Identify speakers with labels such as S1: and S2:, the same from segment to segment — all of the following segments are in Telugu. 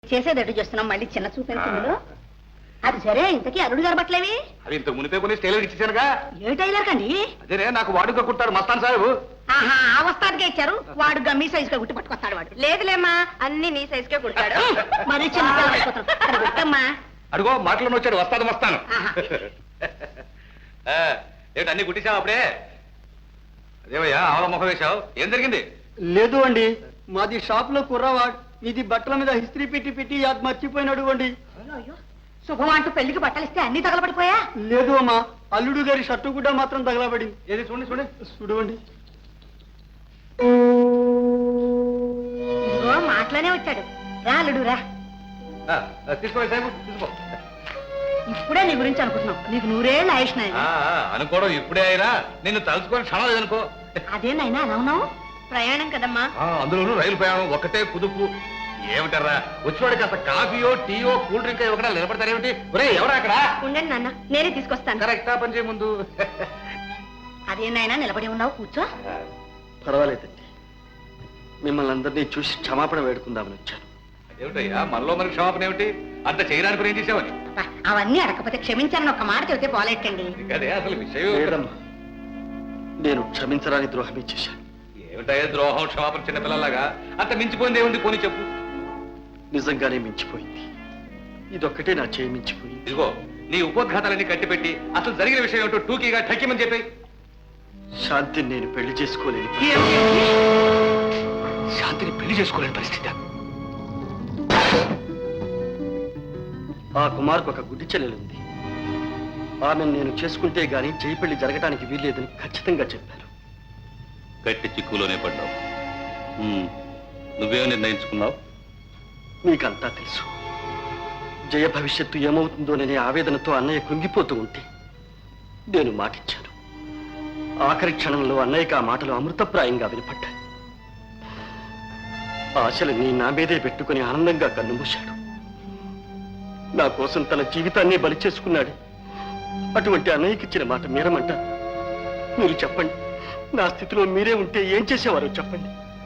S1: చేసేదట్టు చేస్తున్నాం మళ్ళీ చిన్న చూపెందులో అది సరే ఇంతకీ అరుడు గారు బట్టలేవి
S2: అది ఇంత మునిపే కొన్ని టైలర్ ఇచ్చేసానుగా
S1: ఏ టైలర్ కండి
S2: అదేనే నాకు వాడుక కుట్టాడు మస్తాన్ సాహెబు
S1: ఆహా ఆ వస్తానికే ఇచ్చారు వాడు గమ్మీ సైజుగా గుట్టి పట్టుకొస్తాడు వాడు
S3: లేదులేమ్మా అన్ని నీ సైజుకే కుట్టాడు
S1: మరి చిన్న పిల్లలు అయిపోతారు అది గుట్టమ్మా
S2: అడుగో మాటలను వచ్చాడు వస్తాను వస్తాను
S1: ఆహా.
S2: ఏంటి అన్ని కుట్టించావు అప్పుడే అదేవయ్యా ఆవల ముఖం వేశావు ఏం జరిగింది
S4: లేదు అండి మాది షాప్ లో కుర్రవాడ్ ఇది బట్టల మీద హిస్త్రీ పెట్టి పెట్టి అది మర్చిపోయినాడు అండి
S1: అయ్యో శుభం అంటూ పెళ్లికి బట్టలు ఇస్తే అన్ని తగలబడిపోయా
S4: లేదు అమ్మా అల్లుడు గారి షర్టు గుడ్డ మాత్రం తగలబడింది.
S2: ఏది చూడండి చూడండి
S4: చూడండి
S1: ఇదిగో మాటలోనే వచ్చాడు రా అల్లుడు రా
S2: తీసుకో సాహెబు తీసుకో
S1: ఇప్పుడే నీ గురించి అనుకుంటున్నాం నీకు నూరేళ్ళు ఆయుష్ నాయన
S2: అనుకోవడం ఇప్పుడే అయినా నిన్ను తలుచుకొని క్షణం లేదనుకో
S1: అదేనైనా ఎలా ఉన్నావు
S3: ప్రయాణం కదమ్మా
S2: అందులోనూ రైలు ప్రయాణం ఒకటే కుదుపు ఏమిటారా వచ్చివాడికి అసలు కాఫీయో టీయో కూల్ డ్రింక్ ఒకటా నిలబడతారేమిటి ఒరే ఎవరా అక్కడ
S3: ఉండండి నాన్న నేనే తీసుకొస్తాను
S2: కరెక్టా పని చేయ ముందు
S1: అదేనైనా నిలబడి ఉన్నావు కూర్చో
S4: పర్వాలేదండి మిమ్మల్ని అందరినీ చూసి క్షమాపణ వేడుకుందామని వచ్చాను.
S2: ఏమిటయ్యా మనలో మనకి క్షమాపణ ఏమిటి అంత చేయడానికి ఏం చేసావని
S1: అబ్బా, అవన్నీ అడగకపోతే క్షమించాలని ఒక మాట చెబితే పోలేటండి
S2: అదే అసలు విషయం
S4: లేదమ్మా నేను క్షమించరాని ద్రోహమే చేశాను.
S2: ఏమిటయ్యా ద్రోహం క్షమాపణ చిన్నపిల్లలాగా అంత మించిపోయింది ఏముంది పోనీ చెప్పు
S4: నిజంగానే మించిపోయింది. ఇదొక్కటే నా చేయి మించిపోయింది.
S2: ఇదిగో నీ ఉపోద్ఘాతాలన్నీ కట్టిపెట్టి అసలు జరిగిన విషయం ఏమిటో టూకీగా ఠక్కిమని చెప్పి
S4: శాంతిని నేను పెళ్లి చేసుకోలేని
S2: శాంతిని పెళ్లి చేసుకోలేని పరిస్థితి
S4: ఆ కుమార్కు ఒక గుడ్డి చెల్లెలుంది. ఆమెను నేను చేసుకుంటే గాని చేయి పెళ్లి జరగటానికి వీల్లేదని ఖచ్చితంగా చెప్పాను.
S2: గట్టి చిక్కులోనే పడ్డావు నువ్వేం నిర్ణయించుకున్నావు
S4: మీకంతా తెలుసు. జయ భవిష్యత్తు ఏమవుతుందోననే ఆవేదనతో అన్నయ్య కృంగిపోతూ ఉంటే నేను మాటిచ్చాను. ఆఖరి క్షణంలో అన్నయ్యకి ఆ మాటలు అమృతప్రాయంగా వినపడ్డాయి. ఆశలన్నీ నా మీదే పెట్టుకుని ఆనందంగా కన్నుమూశాడు. నా కోసం తన జీవితాన్ని బలి చేసుకున్నాడు. అటువంటి అన్నయ్యకి ఇచ్చిన మాట మీరమంటారు. మీరు చెప్పండి, నా స్థితిలో మీరే ఉంటే ఏం చేసేవారో చెప్పండి.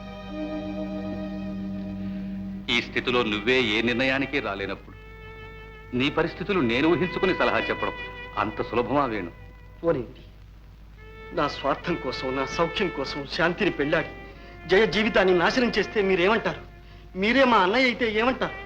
S2: ఈ స్థితిలో నువ్వే ఏ నిర్ణయానికి రాలేనప్పుడు నీ పరిస్థితులు నేను ఊహించుకుని సలహా చెప్పడం అంత సులభమా వేణు
S4: పోనింది. నా స్వార్థం కోసం, నా సౌఖ్యం కోసం శాంతిని పెళ్ళాడి జయ జీవితాన్ని నాశనం చేస్తే మీరేమంటారు? మీరే మా అన్నయ్య అయితే ఏమంటారు?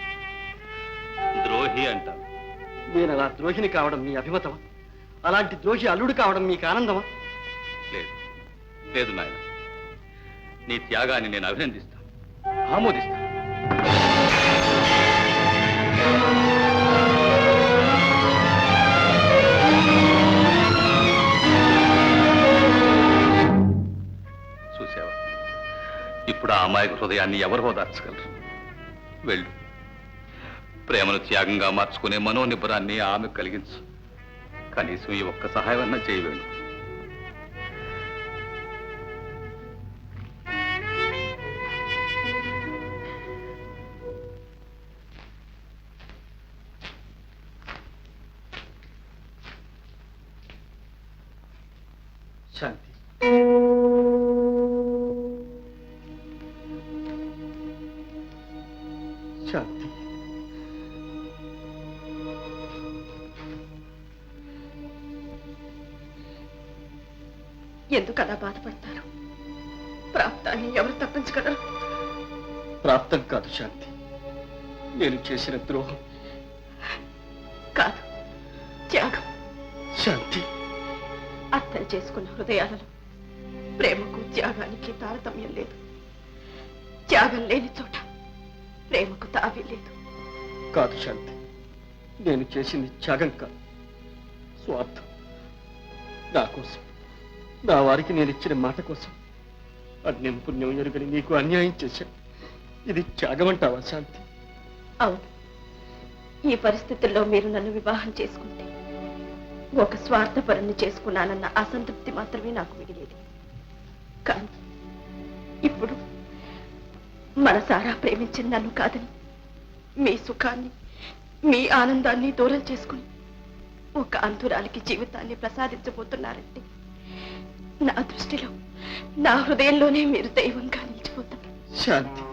S2: ద్రోహి అంటారు.
S4: నేను అలా ద్రోహిని కావడం మీ అభిమతమా? అలాంటి ద్రోహి అల్లుడు కావడం మీకు ఆనందమా?
S2: లేదు లేదు నాయన నీ త్యాగాన్ని నేను అభినందిస్తాను ఆమోదిస్తాను చూసావా ఇప్పుడు ఆ అమాయక హృదయాన్ని ఎవరు ఓదార్చగలరు వెళ్ళు ప్రేమను త్యాగంగా మార్చుకునే మనోనిబ్బరాన్ని ఆమె కలిగించు కనీసం ఈ ఒక్క సహాయం అన్నా చేయవేణు
S4: శాంతి, శాంతి,
S3: ఎందుకు అలా బాధపడతారు? ప్రాప్తాన్ని ఎవరు తప్పించగలరు?
S4: ప్రాప్తం కాదు శాంతి, నేను చేసిన ద్రోహం.
S3: కాదు, త్యాగం.
S4: శాంతి,
S3: అర్థం చేసుకున్న హృదయాలలో ప్రేమకు త్యాగానికి తారతమ్యం లేదు. త్యాగం లేని చోట ప్రేమకు తావి లేదు.
S4: కాదు శాంతి, నేను చేసింది త్యాగం కాదు, స్వార్థం. నా కోసం, నా వారికి నేను ఇచ్చిన మాట కోసం అన్యం పుణ్యం ఎరుగని నీకు అన్యాయం చేశాను. ఇది త్యాగం అంటావా శాంతి?
S3: అవును, ఈ పరిస్థితుల్లో మీరు నన్ను వివాహం చేసుకుంటే ఒక స్వార్థపరుణ్ణి చేసుకున్నానన్న అసంతృప్తి మాత్రమే నాకు మిగిలేది. కానీ ఇప్పుడు మనసారా ప్రేమించిన నన్ను కాదని మీ సుఖాన్ని, మీ ఆనందాన్ని దూరం చేసుకుని ఒక అంతురాలికి జీవితాన్ని ప్రసాదించబోతున్నారంటే నా దృష్టిలో, నా హృదయంలోనే మీరు దైవంగా నిలిచిపోతారు.
S4: శాంతి,